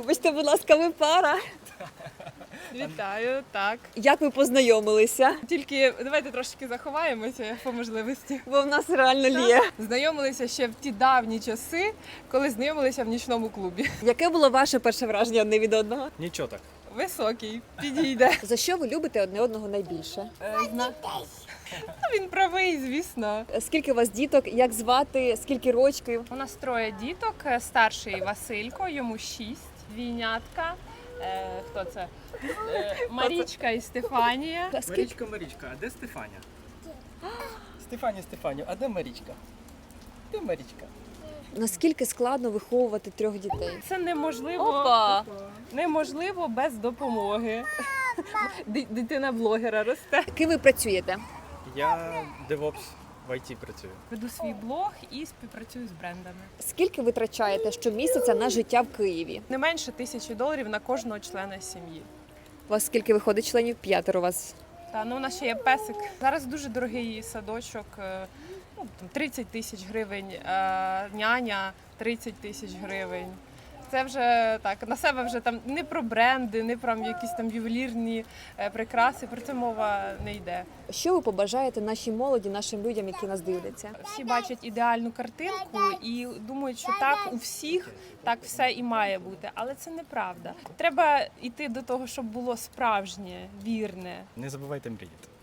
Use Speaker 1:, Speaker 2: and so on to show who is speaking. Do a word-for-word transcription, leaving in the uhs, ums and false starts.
Speaker 1: Вибачте, будь ласка, ви пара.
Speaker 2: Вітаю, так.
Speaker 1: Як ви познайомилися?
Speaker 2: Тільки давайте трошки заховаємося по можливості.
Speaker 1: Бо в нас реально лє.
Speaker 2: Знайомилися ще в ті давні часи, коли знайомилися в нічному клубі.
Speaker 1: Яке було ваше перше враження одне від одного?
Speaker 3: Нічого так.
Speaker 2: Високий, підійде.
Speaker 1: За що ви любите одне одного найбільше?
Speaker 2: Е, зна- Він правий, звісно.
Speaker 1: Скільки у вас діток? Як звати? Скільки рочків?
Speaker 2: У нас троє діток. Старший Василько, йому шість, двійнятка. Е, хто це? Е, Марічка і Стефанія.
Speaker 1: Скільки?
Speaker 3: Марічка, Марічка, а де Стефаня? Стефаня, Стефаню, а де Марічка? Де Марічка?
Speaker 1: Наскільки складно виховувати трьох дітей?
Speaker 2: Це неможливо,
Speaker 1: Опа!
Speaker 2: неможливо без допомоги. Ди- Дитина блогера росте.
Speaker 1: Ким ви працюєте?
Speaker 3: Я девопс в ай ті працюю.
Speaker 2: Веду свій блог і співпрацюю з брендами.
Speaker 1: Скільки ви витрачаєте щомісяця на життя в Києві?
Speaker 2: Не менше тисячі доларів на кожного члена сім'ї.
Speaker 1: У вас скільки виходить членів? П'ятеро у вас.
Speaker 2: Та ну у нас ще є песик. Зараз дуже дорогий садочок, е, ну там тридцять тисяч гривень, е, няня тридцять тисяч гривень. Це вже так, на себе вже там не про бренди, не про якісь там ювелірні е, прикраси, про це мова не йде.
Speaker 1: Що ви побажаєте нашій молоді, нашим людям, які нас дивляться?
Speaker 2: Всі бачать ідеальну картинку і думають, що так у всіх так все і має бути, але це неправда. Треба йти до того, щоб було справжнє, вірне.
Speaker 3: Не забувайте мріяти.